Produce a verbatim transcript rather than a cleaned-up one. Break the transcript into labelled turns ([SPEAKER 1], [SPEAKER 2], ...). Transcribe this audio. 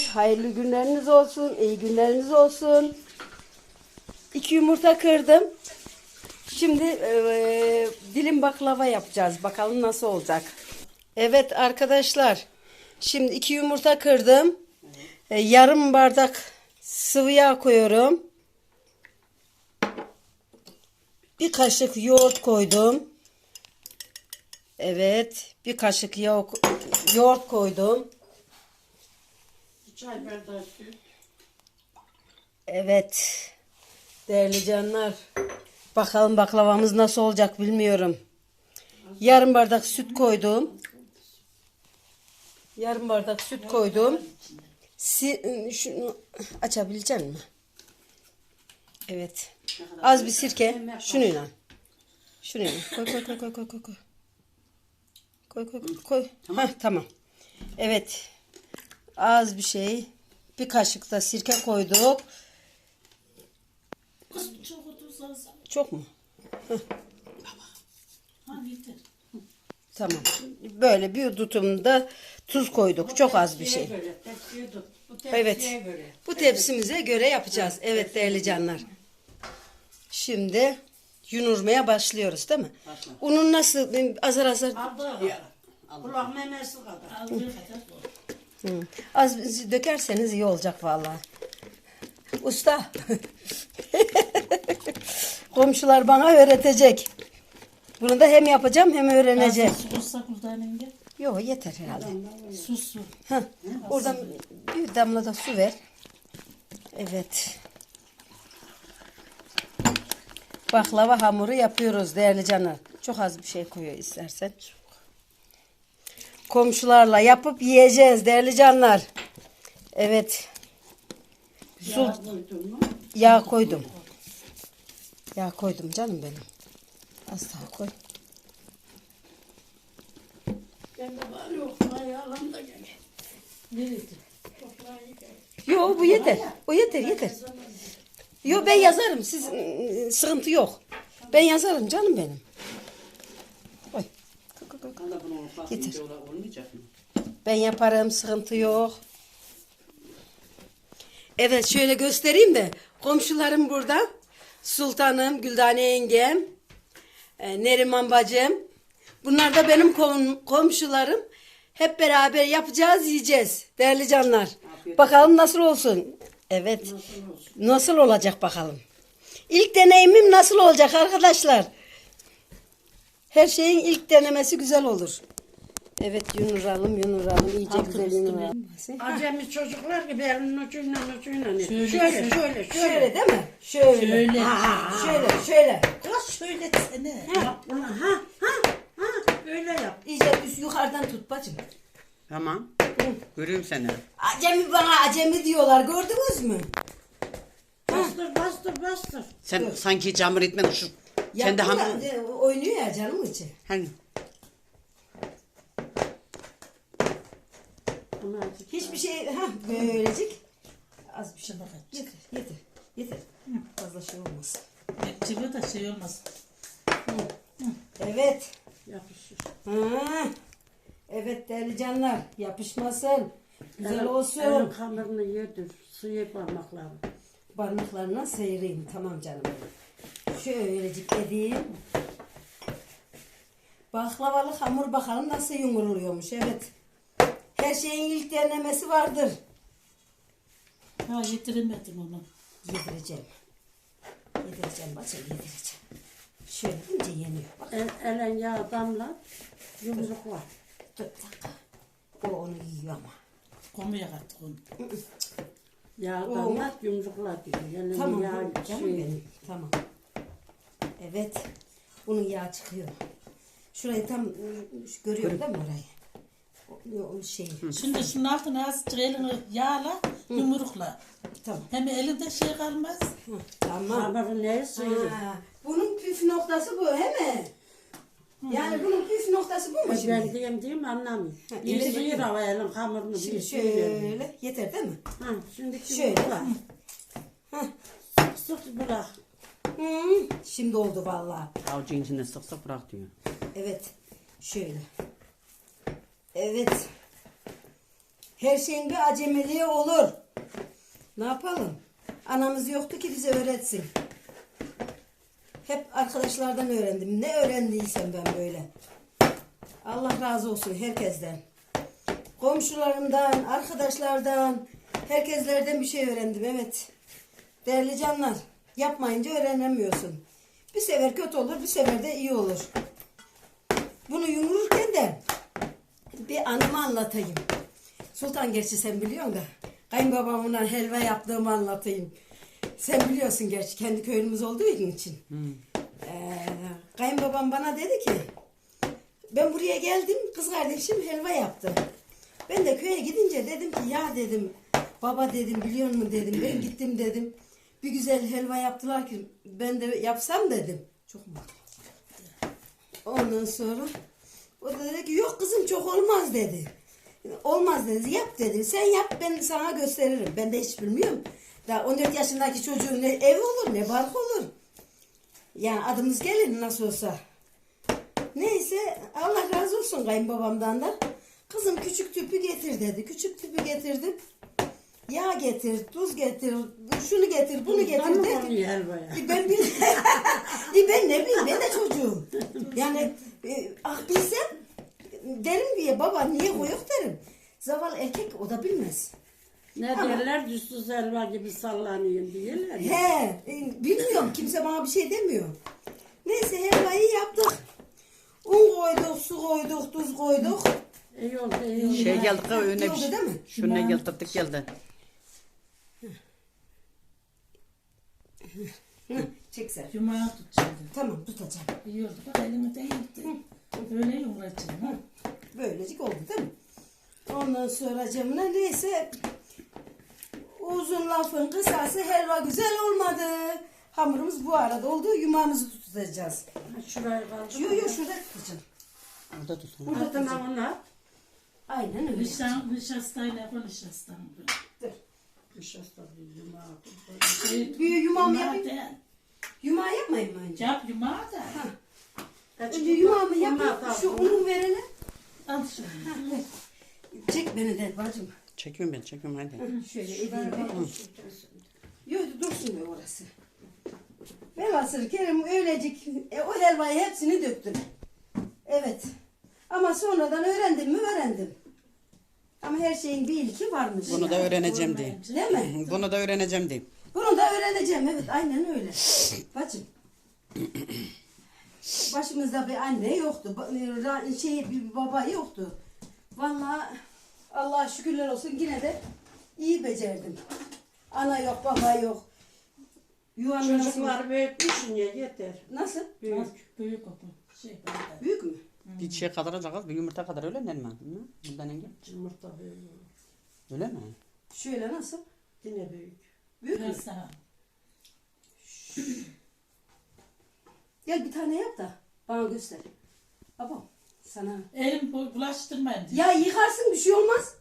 [SPEAKER 1] hayırlı günleriniz olsun, iyi günleriniz olsun. İki yumurta kırdım. Şimdi e, dilim baklava yapacağız. Bakalım nasıl olacak. Evet arkadaşlar. Şimdi iki yumurta kırdım. E, yarım bardak sıvı yağ koyuyorum. Bir kaşık yoğurt koydum. Evet. Bir kaşık yoğurt, yoğurt koydum.
[SPEAKER 2] Çay bardağı süt.
[SPEAKER 1] Evet. Değerli canlar. Bakalım baklavamız nasıl olacak bilmiyorum. Yarım bardak süt koydum. Yarım bardak süt koydum. Si şunu açabilecek misin? Evet. Az bir sirke. Şununla. Şununla. Koy koy koy koy koy koy koy. Koy koy koy. koy. Tamam. Heh, tamam. Evet. Az bir şey. Bir kaşık da sirke koyduk.
[SPEAKER 2] Çok tuz az.
[SPEAKER 1] Çok mu? Heh.
[SPEAKER 2] Ha yeter.
[SPEAKER 1] Tamam. Böyle bir tutumda tuz koyduk. Çok az bir şey.
[SPEAKER 2] Böyle, tepsiye tut. Bu tepsiye
[SPEAKER 1] Evet.
[SPEAKER 2] göre.
[SPEAKER 1] Bu tepsimize göre yapacağız. Evet değerli canlar. Şimdi yunurmaya başlıyoruz değil mi?
[SPEAKER 2] Başla.
[SPEAKER 1] Unun nasıl azar azar
[SPEAKER 2] Aldığı kadar. Kulak memesi kadar. Aldığı kadar.
[SPEAKER 1] Hı. Az dökerseniz iyi olacak vallahi. Usta. Komşular bana öğretecek. Bunu da hem yapacağım hem öğreneceğim.
[SPEAKER 2] Su olsa buradan enge.
[SPEAKER 1] Yok yeter herhalde.
[SPEAKER 2] Sus su.
[SPEAKER 1] Heh, oradan bir damla da su ver. Evet. Baklava hamuru yapıyoruz değerli canlar. Çok az bir şey koyuyor istersen. Komşularla yapıp yiyeceğiz değerli canlar. Evet. Su,
[SPEAKER 2] Yağ koydun mu?
[SPEAKER 1] yağ koydum. Yağ koydum canım benim. Az daha koy.
[SPEAKER 2] Ben de bari oklayı alan da gel. Nerede? Oklayı gel.
[SPEAKER 1] Yok bu yeter. O yeter yeter. Yok ben yazarım. Siz ıı, sıkıntı yok. Ben yazarım canım benim. Oy. Koy, koy, koy. Getir.
[SPEAKER 2] Olmayacak mı?
[SPEAKER 1] Ben yaparım, sıkıntı yok. Evet şöyle göstereyim de komşularım burada. Sultanım, Güldane yengem, e, Neriman bacım. Bunlar da benim kom komşularım. Hep beraber yapacağız, yiyeceğiz. Değerli canlar. Bakalım nasıl olsun. Evet.
[SPEAKER 2] Nasıl olsun?
[SPEAKER 1] Nasıl olacak bakalım. İlk deneyimim nasıl olacak arkadaşlar? Her şeyin ilk denemesi güzel olur. Evet yunuralım yunuralım iyice
[SPEAKER 2] Altı
[SPEAKER 1] güzel
[SPEAKER 2] üstü
[SPEAKER 1] yunuralım.
[SPEAKER 2] Acemi çocuklar gibi elinin ucuyla ucuyla.
[SPEAKER 3] Şöyle,
[SPEAKER 2] Şöyle
[SPEAKER 3] şöyle.
[SPEAKER 2] şöyle şöyle.
[SPEAKER 1] Şöyle değil mi? Şöyle.
[SPEAKER 3] Şöyle.
[SPEAKER 1] Ha, şöyle şöyle.
[SPEAKER 3] Kız söyletsene.
[SPEAKER 2] Yap bunu. Ha ha ha. Böyle yap.
[SPEAKER 1] İyice üst yukarıdan tut bacım.
[SPEAKER 4] Tamam. Görüyorum seni.
[SPEAKER 1] Acemi bana acemi diyorlar gördünüz mü?
[SPEAKER 2] Bastır bastır bastır.
[SPEAKER 4] Sen sanki hiç hamur etmedin şu. Sen de
[SPEAKER 1] Yaptı
[SPEAKER 4] hamur.
[SPEAKER 1] da, e, oynuyor ya canım içi.
[SPEAKER 4] Hani
[SPEAKER 2] Bunu azıcık.
[SPEAKER 1] Hiçbir şey ha böylecik. Az bir şey bak. Yeter yeter yeter. Fazla şey olmaz.
[SPEAKER 3] Çıkıyor da şey olmaz.
[SPEAKER 1] Evet.
[SPEAKER 2] Yapışır.
[SPEAKER 1] Ha. Evet değerli canlar yapışmasın. Güzel olsun.
[SPEAKER 2] Elin hamurunu yedir. Suyu parmakları.
[SPEAKER 1] Parmaklarına sıyırayım. Tamam canım benim. Şöylecik edeyim. Baklavalı hamur bakalım nasıl yumuruluyormuş. Evet. Her şeyin ilk denemesi vardır.
[SPEAKER 3] Ha yetiremedim onu.
[SPEAKER 1] Yedireceğim. Yedireceğim bacım yedireceğim. Şöyle ince yeniyor. Bak
[SPEAKER 2] El, elen yağ damla. Yumrukla.
[SPEAKER 1] dur bir dakika. O onu yiyor ama.
[SPEAKER 3] Komuya kattık onu.
[SPEAKER 2] Yağ
[SPEAKER 1] Oo.
[SPEAKER 2] damla yumrukla diyor. Elin
[SPEAKER 1] Tamam
[SPEAKER 2] yağ
[SPEAKER 1] bu- canım
[SPEAKER 2] şey.
[SPEAKER 1] benim. Tamam. Evet. Bunun yağı çıkıyor. Şurayı tam ıı, görüyor değil mi orayı? O, o şey.
[SPEAKER 3] Şimdi şunun altına azıcık elini yağla, yumrukla.
[SPEAKER 1] Tamam.
[SPEAKER 3] Hem elinde şey kalmaz.
[SPEAKER 1] Hı, tamam.
[SPEAKER 2] Hamuru neye sıyırır?
[SPEAKER 1] Ha, bunun püf noktası bu he mi? Yani bunun püf noktası bu mu
[SPEAKER 2] Ben
[SPEAKER 1] şimdi?
[SPEAKER 2] diyeyim diyeyim anlamıyorum.
[SPEAKER 1] Ha,
[SPEAKER 2] Bir
[SPEAKER 1] öyle
[SPEAKER 2] sıyır
[SPEAKER 1] değil.
[SPEAKER 2] hava elin hamurunu
[SPEAKER 1] Şimdi
[SPEAKER 2] bir sıyır.
[SPEAKER 1] şöyle yeter değil mi?
[SPEAKER 2] Ha, şimdi
[SPEAKER 1] Şöyle.
[SPEAKER 2] yumrukla.
[SPEAKER 1] Hah.
[SPEAKER 2] Sık sık bırak.
[SPEAKER 1] Hı, şimdi oldu vallahi.
[SPEAKER 4] avucun içinde sık sık bırak diyor.
[SPEAKER 1] Evet. Şöyle. Evet. Her şeyin bir acemiliği olur. Ne yapalım? Anamız yoktu ki bize öğretsin. Hep arkadaşlardan öğrendim. Ne öğrendiysem ben böyle. Allah razı olsun herkesten. Komşularımdan, arkadaşlardan, herkeslerden bir şey öğrendim. Evet. Değerli canlar, yapmayınca öğrenemiyorsun. Bir sefer kötü olur, bir sefer de iyi olur. Bunu yumururken de bir anımı anlatayım. Sultan gerçi sen biliyorsun da kayınbabamla helva yaptığımı anlatayım. Sen biliyorsun gerçi kendi köyümüz olduğu için.
[SPEAKER 4] Hmm.
[SPEAKER 1] Ee, kayınbabam bana dedi ki ben buraya geldim kız kardeşim helva yaptı. Ben de köye gidince dedim ki ya dedim baba dedim biliyor musun dedim ben gittim dedim. Bir güzel helva yaptılar ki ben de yapsam dedim. Çok mu? Ondan sonra o da dedi ki yok kızım çok olmaz dedi. Olmaz dedi yap dedi. Sen yap ben sana gösteririm. Ben de hiç bilmiyorum. Daha on dört yaşındaki çocuğun ne ev olur ne bark olur. Yani adımız gelir nasıl olsa. Neyse Allah razı olsun kayınbabamdan da. Kızım küçük tüpü getir dedi. Küçük tüpü getirdim. Yağ getir, tuz getir, şunu getir, bunu getir dedi. E ben bil e ben ne bileyim ben de çocuğum. Yani e, ah bilsem derim diye baba niye koyuk derim. Zavallı erkek o da bilmez.
[SPEAKER 2] Ne
[SPEAKER 1] Ama-
[SPEAKER 2] derler düzsüz helva gibi sallanıyor diyorlar. ya.
[SPEAKER 1] He, e, bilmiyorum kimse bana bir şey demiyor. Neyse helvayı yaptık. Un koyduk, su koyduk, tuz koyduk.
[SPEAKER 2] İyi oldu iyi oldu.
[SPEAKER 4] Şey geldi kız önüne bir
[SPEAKER 1] Oldu
[SPEAKER 4] şey.
[SPEAKER 1] değil mi?
[SPEAKER 4] Şuna getirdik geldi.
[SPEAKER 1] Hı, çek sen.
[SPEAKER 3] Yumağı tutacağım.
[SPEAKER 1] Tamam tutacağım.
[SPEAKER 3] İyi oldu. Bak elimi değildi. Böyle yumuracağım. Ha?
[SPEAKER 1] Böylecik oldu değil mi? Ondan sonra camına neyse uzun lafın kısası helva güzel olmadı. Hamurumuz bu arada oldu. Yumağımızı tutacağız.
[SPEAKER 2] Ha, şurayı kaldı.
[SPEAKER 1] Yo yo şurada tutacağım.
[SPEAKER 4] Orada tut.
[SPEAKER 1] Burada
[SPEAKER 2] Tamam
[SPEAKER 1] tutacağım.
[SPEAKER 2] onlar.
[SPEAKER 1] Aynen öyle.
[SPEAKER 3] Nişan, nişastayla koy nişastan.
[SPEAKER 1] Dur.
[SPEAKER 2] Nişasta bir yumağı.
[SPEAKER 3] Şey,
[SPEAKER 1] Bir yumağımı
[SPEAKER 3] yumağı
[SPEAKER 1] yapayım.
[SPEAKER 3] da-
[SPEAKER 1] Yumağı yapmayayım mı önce?
[SPEAKER 3] Yap yumağı da.
[SPEAKER 1] Önce yumağımı yapayım. Şu unu verelim.
[SPEAKER 3] Al şunu.
[SPEAKER 1] Çek beni de bacım.
[SPEAKER 4] Çekiyorum ben çekiyorum hadi.
[SPEAKER 1] Şöyle edeyim. Yok dursun be orası. Velhasıl Kerim öylecik e, o helvayı hepsini döktüm. Evet. Ama sonradan öğrendim mi öğrendim. Ama her şeyin bir ilki varmış.
[SPEAKER 4] Bunu da öğreneceğim diyeyim.
[SPEAKER 1] Değil mi?
[SPEAKER 4] Bunu da öğreneceğim diyeyim.
[SPEAKER 1] Bunu da öğreneceğim. Evet aynen öyle. Bacım. Başımızda bir anne yoktu. ba- ra- Şey, bir baba yoktu. Vallahi Allah'a şükürler olsun yine de iyi becerdim. Ana yok, baba yok. Yuvanın nasıl?
[SPEAKER 2] Çocuklar büyütmüşsün ya yeter.
[SPEAKER 1] Nasıl?
[SPEAKER 2] Büyük.
[SPEAKER 3] Büyük o bu. Şey böyle.
[SPEAKER 1] Büyük mü?
[SPEAKER 4] Bir şey kadar olacak bir yumurta kadar öyle mi? Hı? Bundan önce.
[SPEAKER 2] Yumurta büyük.
[SPEAKER 4] Öyle mi?
[SPEAKER 1] Şöyle nasıl?
[SPEAKER 2] Yine büyük.
[SPEAKER 1] Büyük mü?
[SPEAKER 3] Biraz daha.
[SPEAKER 1] Gel bir tane yap da bana göster. Babam sana.
[SPEAKER 3] Elim bu- bulaştırmayın diye.
[SPEAKER 1] Ya yıkarsın bir şey olmaz.